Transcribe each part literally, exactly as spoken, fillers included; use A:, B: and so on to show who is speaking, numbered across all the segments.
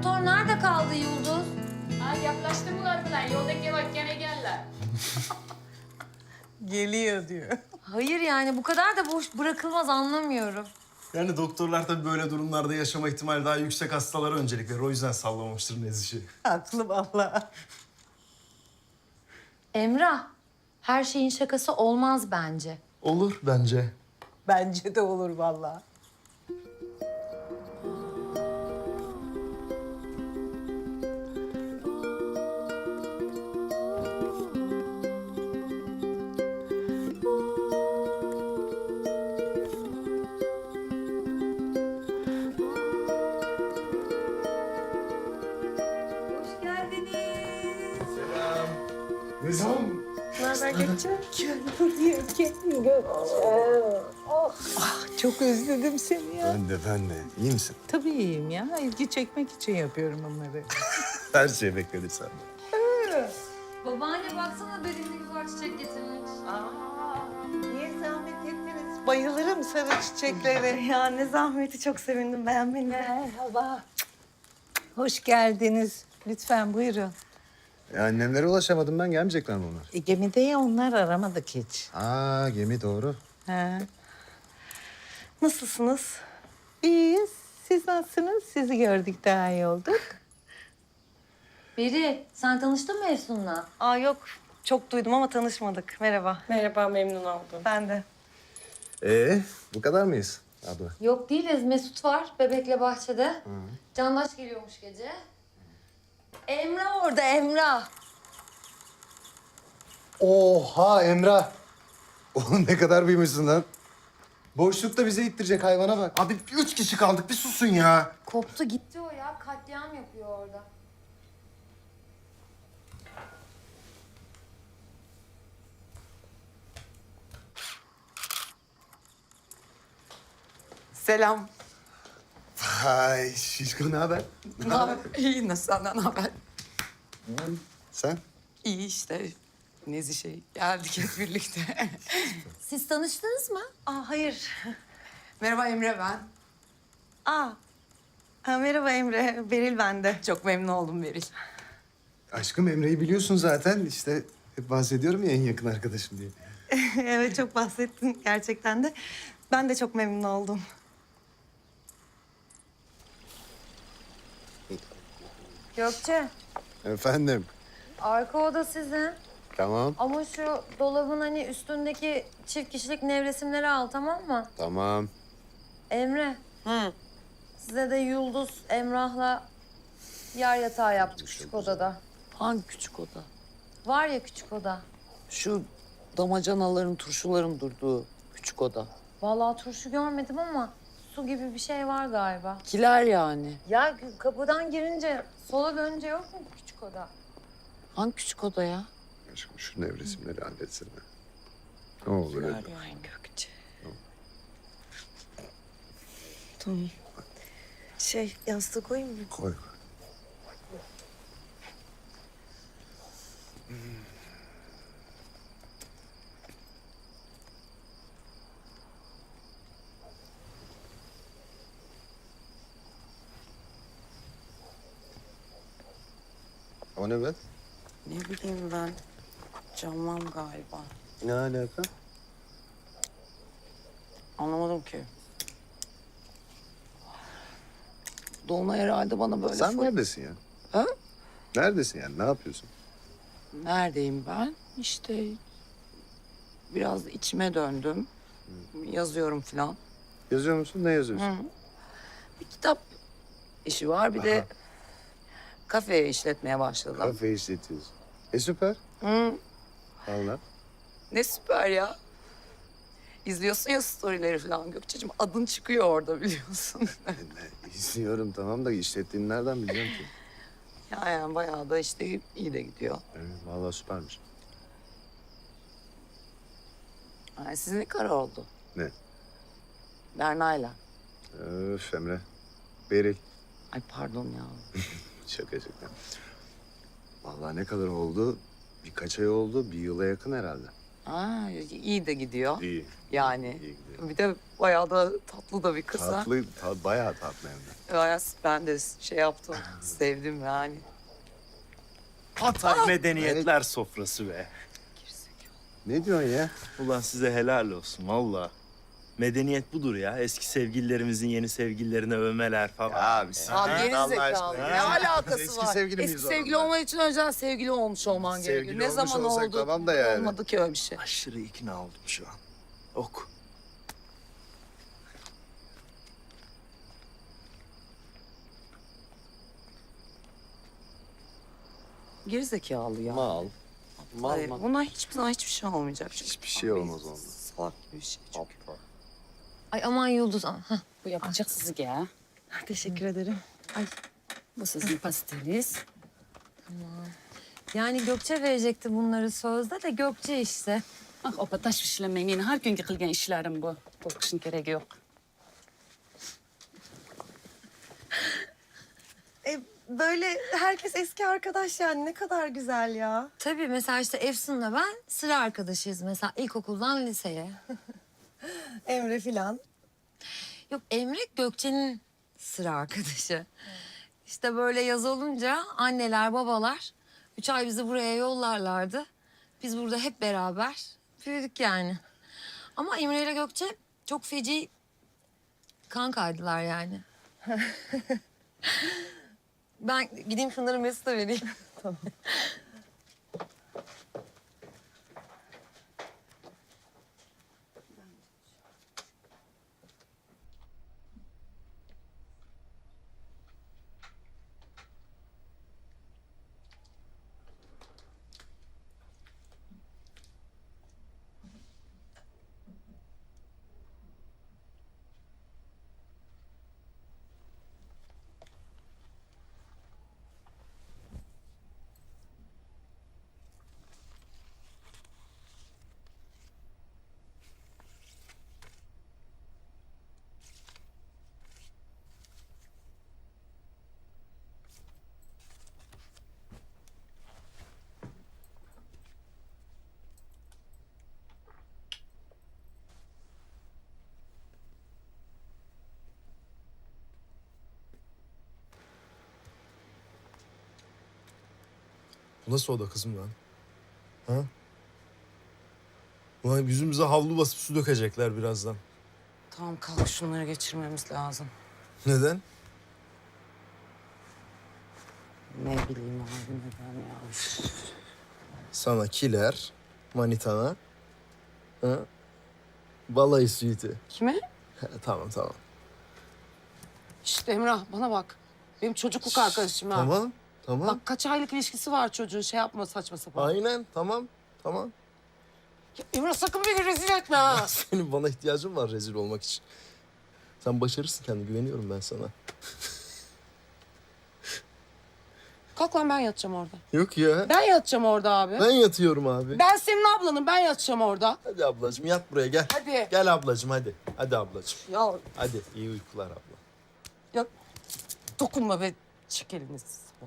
A: doktor nerede kaldı Yıldız?
B: Ha yaklaştılar falan. Yoldaki bak gene geldiler.
C: Geliyor diyor.
A: Hayır yani bu kadar da boş bırakılmaz anlamıyorum.
D: Yani doktorlar tabii böyle durumlarda yaşama ihtimali daha yüksek hastalara öncelik verir. O yüzden sallamamıştır Nezih'i.
C: Haklı vallahi.
A: Emrah, her şeyin şakası olmaz bence.
D: Olur bence.
C: Bence de olur vallahi.
A: Hoş geldiniz.
D: Selam. Nizam.
C: Ne haber Gökçe? Gel buraya, gel Gökçe. Ah, çok özledim seni ya.
D: Ben de ben de. İyi misin?
C: Tabii iyiyim ya. İlgi çekmek için yapıyorum bunları.
D: Her şey bekledik senden.
A: Babaanne baksana Beril'e güzel çiçek getirmiş.
C: Niye zahmet ettiniz? Bayılırım sarı çiçeklere.
E: Ya ne zahmeti, çok sevindim beğenmeni.
C: Merhaba. Hoş geldiniz. Lütfen buyurun.
F: E, annemlere ulaşamadım ben. Gelmeyecekler mi onlar?
C: E, gemide ya onlar aramadık hiç.
F: Aa gemi doğru.
C: Ha.
E: Nasılsınız?
C: İyiyiz. Siz nasılsınız? Sizi gördük daha iyi olduk.
A: Beril, sen tanıştın mı Efsun'la?
E: Aa yok, çok duydum ama tanışmadık. Merhaba.
B: Merhaba memnun oldum.
E: Ben de.
F: Ee, bu kadar mıyız abla?
A: Yok değiliz. Mesut var bebekle bahçede. Candaş geliyormuş gece. Emrah orada Emrah.
F: Oha Emrah. Oğlum ne kadar büyümüşsün lan. Boşlukta bize ittirecek hayvana bak.
D: Abi üç kişi kaldık. Bir susun ya.
A: Koptu gitti o ya. Katliam yapıyor orada.
G: Selam.
F: Hay şişko ne haber?
G: Ne haber? İyi, nasıl senden ne haber?
F: Sen?
G: İyi işte. Nezi şey, geldik hep birlikte.
A: Siz tanıştınız mı?
E: Aa hayır.
G: Merhaba Emre ben.
E: Aa. Ha, merhaba Emre. Beril ben de.
G: Çok memnun oldum Beril.
F: Aşkım Emre'yi biliyorsun zaten. İşte hep bahsediyorum ya en yakın arkadaşım diye.
E: Evet çok bahsettin gerçekten de. Ben de çok memnun oldum.
A: Gökçe,
F: Efendim.
A: arka oda sizin.
F: Tamam.
A: Ama şu dolabın hani üstündeki çift kişilik nevresimleri al tamam mı?
F: Tamam.
A: Emre.
G: Hı.
A: Size de Yıldız Emrah'la yer yatağı yaptık küçük odada.
G: Hangi küçük oda?
A: Var ya küçük oda.
G: Şu damacanaların, turşuların durduğu küçük oda.
A: Vallahi turşu görmedim ama su gibi bir şey var galiba.
G: Kiler yani.
A: Ya kapıdan girince sola dönünce yok mu küçük oda?
G: Hangi küçük oda ya?
F: Aşkım şu nevresimleri halletsene. Ne olur
G: Kiler
F: öyle.
G: yani Gökçe.
E: Tamam. Şey yastığı koyayım mı?
F: Koy. O ne be?
G: Ne bileyim ben. Canmam galiba.
F: Ne alaka?
G: Anlamadım ki. Dolunay herhalde bana böyle...
F: Sen
G: fır-
F: neredesin ya?
G: Ha?
F: Neredesin yani? Ne yapıyorsun?
G: Neredeyim ben? İşte biraz içime döndüm. Yazıyorum falan.
F: Yazıyor musun? Ne yazıyorsun?
G: Hı. Bir kitap işi var. Bir de kafe işletmeye başladım.
F: Kafe işletiyorsun. E süper.
G: Hı.
F: Vallahi.
G: Ne süper ya. İzliyorsun ya storyleri falan Gökçe'cim. Adın çıkıyor orada biliyorsun.
F: Ne, izliyorum tamam da işlettiğini nereden bileceğim ki?
G: ya yani bayağı da işte iyi de gidiyor.
F: Evet, vallahi süpermiş.
G: Yani sizin ne kadar oldu?
F: Ne?
G: Berna'yla.
F: Öf Emre. Beril.
G: Ay pardon ya.
F: Şaka şaka. Vallahi ne kadar oldu? Birkaç ay oldu. Bir yıla yakın herhalde.
G: Aa, iyi de gidiyor.
H: İyi.
G: Yani.
H: İyi gidiyor.
G: Bir de bayağı da tatlı da bir kız ha.
H: Tatlı, ta, bayağı tatlı hem de.
G: Bayağı ben de şey yaptım. Sevdim yani.
I: Hatay medeniyetler sofrası be.
H: Ne diyorsun ya?
I: Ulan size helal olsun valla. Medeniyet budur ya. Eski sevgililerimizin yeni sevgililerine övmeler falan.
H: Ya bir sen
G: Abi geri
H: Allah
G: zekalı.
H: aşkına
G: Ne
H: ya.
G: alakası
H: Eski
G: var?
H: sevgili miyiz
G: Eski
H: o
G: sevgili
H: zaman?
G: olman için önceden sevgili olmuş olman
H: Sevgili
G: gerekiyor. Ne
H: olmuş
G: zaman
H: olsak
G: oldu?
H: tamam da yani.
G: Olmadı ki öyle bir şey.
I: Aşırı ikna oldum şu an. Ok.
G: Geri zekalı ya.
H: Mal. Mal
G: Hayır,
H: mal.
G: buna hiçbir zaman hiçbir şey olmayacak. Çünkü
H: Hiçbir şey olmaz ondan.
G: Salak gibi bir şey çünkü.
A: Ay aman Yıldız. Hah.
B: Bu yapacak sizi ya.
E: Teşekkür ederim.
B: Bu sizin pasteliniz.
A: Yani Gökçe verecekti bunları sözde de Gökçe işte.
B: Ah o pataş işlemeyin. Her gün yıkılgan işlerim bu. Korkuşun gereği yok.
E: E, böyle herkes eski arkadaş yani ne kadar güzel ya.
A: Tabii mesela işte Efsun'la ben sıra arkadaşıyız mesela ilkokuldan liseye.
E: Emre filan.
A: Yok Emre Gökçe'nin sıra arkadaşı. İşte böyle yaz olunca anneler babalar üç ay bizi buraya yollarlardı. Biz burada hep beraber büyüdük yani. Ama Emre ile Gökçe çok feci kankaydılar yani. Ben gideyim şunları Mesut'a vereyim.
D: Bu nasıl oda kızım lan? Ha? Ulan yüzümüze havlu basıp su dökecekler birazdan.
G: Tamam kalk şunları geçirmemiz lazım.
D: Neden?
G: Ne bileyim abi neden ya.
D: Sana kiler, manitana. Ha? Balayı suiti.
G: Kime?
D: Ha, tamam tamam.
G: İşte Emrah bana bak. Benim çocukluk arkadaşım ha.
D: Tamam tamam.
G: Bak kaç aylık ilişkisi var çocuğun şey yapma saçma sapan.
D: Aynen tamam tamam.
G: Ya Emrah sakın beni rezil etme ha.
D: Senin bana ihtiyacın var rezil olmak için. Sen başarırsın kendine güveniyorum ben sana.
G: Kalk lan ben yatacağım orada.
D: Yok ya.
G: Ben yatacağım orada abi.
D: Ben yatıyorum abi.
G: Ben senin ablanım ben yatacağım orada.
D: Hadi ablacığım yat buraya gel.
G: Hadi.
D: Gel ablacığım hadi. Hadi ablacığım.
G: Ya,
D: Hadi iyi uykular abla.
G: ya dokunma be. Çek elini bak.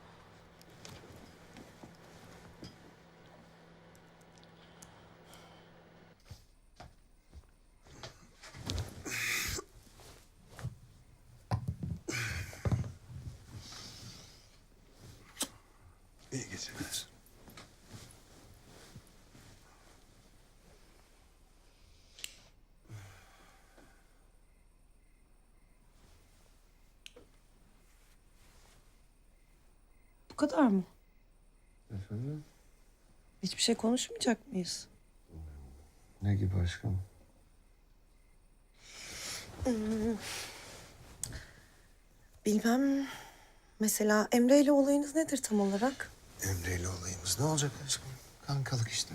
H: İyi geceler.
E: Bu kadar mı?
H: Efendim?
E: Hiçbir şey konuşmayacak mıyız?
H: Ne gibi aşkım?
E: Bilmem. Mesela Emre ile olayınız nedir tam olarak?
H: Emre ile olayımız ne olacak aşkım? Kankalık işte.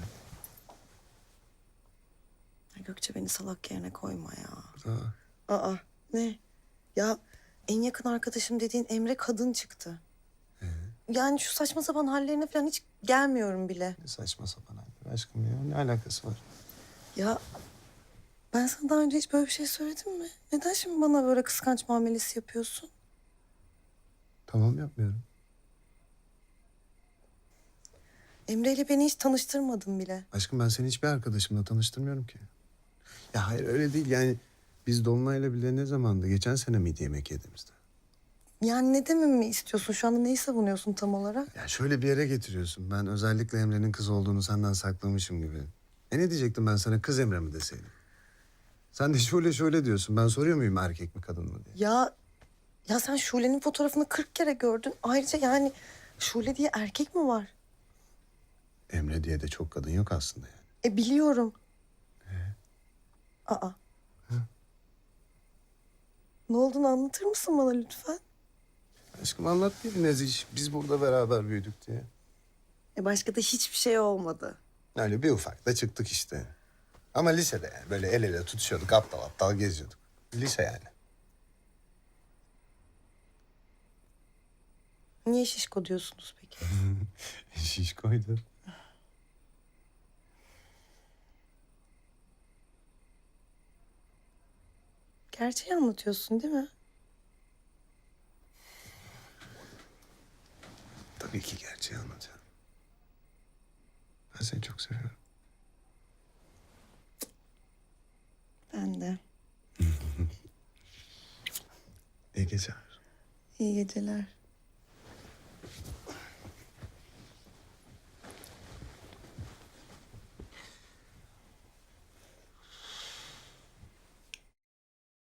E: Ya Gökçe beni salak yerine koyma ya.
H: Aa,
E: Aa ne? Ya en yakın arkadaşım dediğin Emre kadın çıktı. Yani şu saçma sapan hallerine falan hiç gelmiyorum bile.
H: ne saçma sapan haller aşkım ya. Ne alakası var?
E: Ya ben sana daha önce hiç böyle bir şey söyledim mi? Neden şimdi bana böyle kıskanç muamelesi yapıyorsun?
H: Tamam yapmıyorum.
E: Emre ile beni hiç tanıştırmadın bile.
F: Aşkım ben seni hiçbir arkadaşımla tanıştırmıyorum ki. Ya hayır öyle değil yani. Biz Dolunay'la bile ne zamandı? Geçen sene miydi yemek yediğimizde?
E: Yani ne dememi istiyorsun? Şu anda neyi savunuyorsun tam olarak?
F: Ya şöyle bir yere getiriyorsun. Ben özellikle Emre'nin kız olduğunu senden saklamışım gibi. E ne diyecektim ben sana, kız Emre mi deseydim? Sen de şöyle şöyle diyorsun. Ben soruyor muyum erkek mi kadın mı diye?
E: Ya ya sen Şule'nin fotoğrafını kırk kere gördün. Ayrıca yani Şule diye erkek mi var?
F: Emre diye de çok kadın yok aslında yani.
E: E biliyorum. Aa. Ne olduğunu anlatır mısın bana lütfen?
F: Aşkım anlat bir Neziş. Biz burada beraber büyüdük diye.
E: E başka da hiçbir şey olmadı.
F: Öyle bir ufak da çıktık işte. Ama lisede yani. Böyle el ele tutuşuyorduk, aptal aptal geziyorduk. Lise yani.
E: Niye şişko diyorsunuz peki?
F: Şişkoydu.
E: Gerçeği anlatıyorsun değil mi?
F: Tabii ki gerçeği anlatacağım. Ben seni çok seviyorum.
E: Ben de.
F: İyi geceler.
E: İyi geceler.